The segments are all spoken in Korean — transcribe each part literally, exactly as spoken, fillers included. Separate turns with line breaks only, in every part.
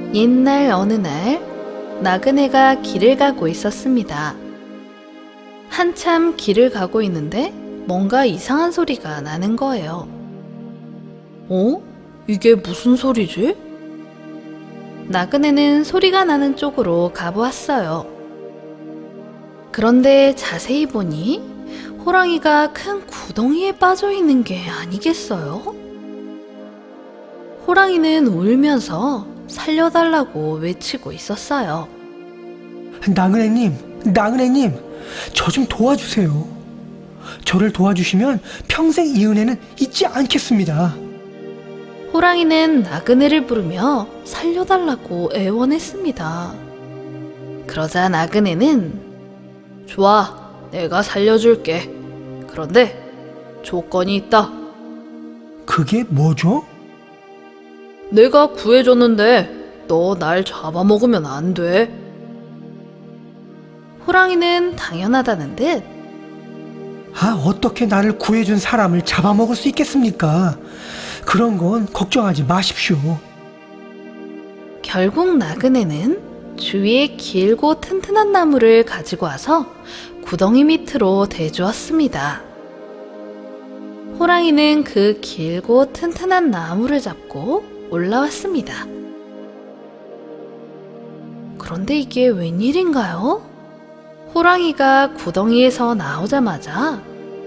옛날 어느 날 나그네가 길을 가고 있었습니다. 한참 길을 가고 있는데 뭔가 이상한 소리가 나는 거예요. 어? 이게 무슨 소리지? 나그네는 소리가 나는 쪽으로 가보았어요. 그런데 자세히 보니 호랑이가 큰 구덩이에 빠져 있는 게 아니겠어요? 호랑이는 울면서 살려달라고 외치고 있었어요.
나그네님, 나그네님, 저 좀 도와주세요. 저를 도와주시면 평생 이 은혜는 잊지 않겠습니다.
호랑이는 나그네를 부르며 살려달라고 애원했습니다. 그러자 나그네는 좋아, 내가 살려줄게. 그런데 조건이 있다.
그게 뭐죠?
내가 구해줬는데 너 날 잡아먹으면 안 돼. 호랑이는 당연하다는 듯
아, 어떻게 나를 구해준 사람을 잡아먹을 수 있겠습니까? 그런 건 걱정하지 마십시오.
결국 나그네는 주위에 길고 튼튼한 나무를 가지고 와서 구덩이 밑으로 대주었습니다. 호랑이는 그 길고 튼튼한 나무를 잡고 올라왔습니다. 그런데 이게 웬일인가요? 호랑이가 구덩이에서 나오자마자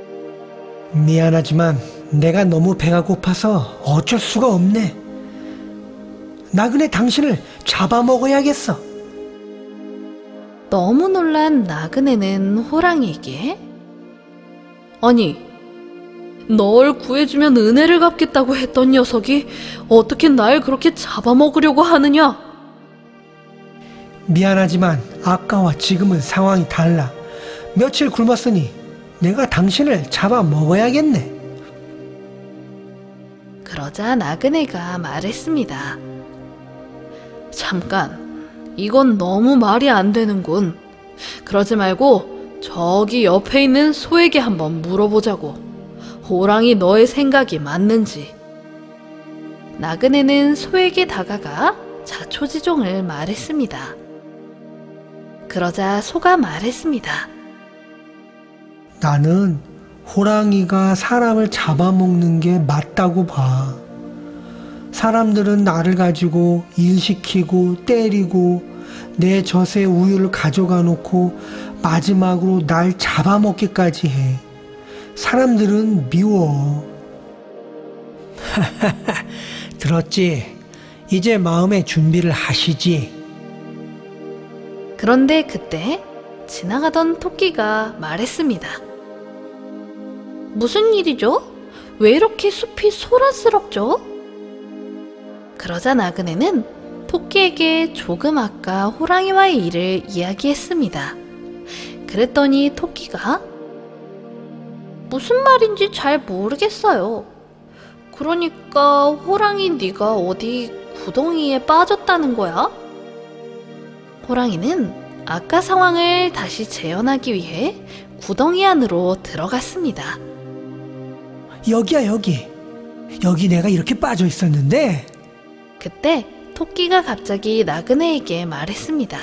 미안하지만 내가 너무 배가 고파서 어쩔 수가 없네. 나그네 당신을 잡아먹어야겠어.
너무 놀란 나그네는 호랑이에게 아니, 널 구해주면 은혜를 갚겠다고 했던 녀석이 어떻게 날 그렇게 잡아먹으려고 하느냐?
미안하지만 아까와 지금은 상황이 달라. 며칠 굶었으니 내가 당신을 잡아먹어야겠네.
그러자 나그네가 말했습니다. 잠깐, 이건 너무 말이 안 되는군. 그러지 말고 저기 옆에 있는 소에게 한번 물어보자고. 호랑이 너의 생각이 맞는지. 나그네는 소에게 다가가 자초지종을 말했습니다. 그러자 소가 말했습니다.
나는 호랑이가 사람을 잡아먹는 게 맞다고 봐. 사람들은 나를 가지고 일시키고 때리고 내 젖의 우유를 가져가 놓고 마지막으로 날 잡아먹기까지 해. 사람들은 미워. 들었지? 이제 마음의 준비를 하시지.
그런데 그때 지나가던 토끼가 말했습니다. 무슨 일이죠? 왜 이렇게 숲이 소란스럽죠? 그러자 나그네는 토끼에게 조금 아까 호랑이와의 일을 이야기했습니다. 그랬더니 토끼가 무슨 말인지 잘 모르겠어요. 그러니까 호랑이 네가 어디 구덩이에 빠졌다는 거야? 호랑이는 아까 상황을 다시 재현하기 위해 구덩이 안으로 들어갔습니다.
여기야, 여기. 여기 내가 이렇게 빠져 있었는데.
그때 토끼가 갑자기 나그네에게 말했습니다.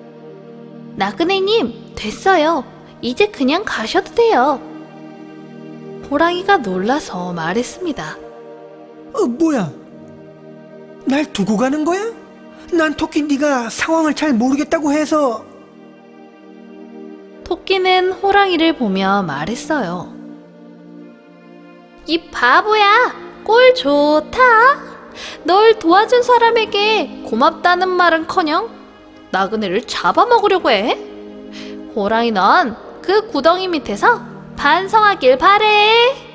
나그네님, 됐어요. 이제 그냥 가셔도 돼요. 호랑이가 놀라서 말했습니다.
어, 뭐야? 날 두고 가는 거야? 난 토끼 네가 상황을 잘 모르겠다고 해서.
토끼는 호랑이를 보며 말했어요. 이 바보야, 꼴 좋다. 널 도와준 사람에게 고맙다는 말은커녕 나그네를 잡아먹으려고 해. 호랑이 넌 그 구덩이 밑에서 반성하길 바래.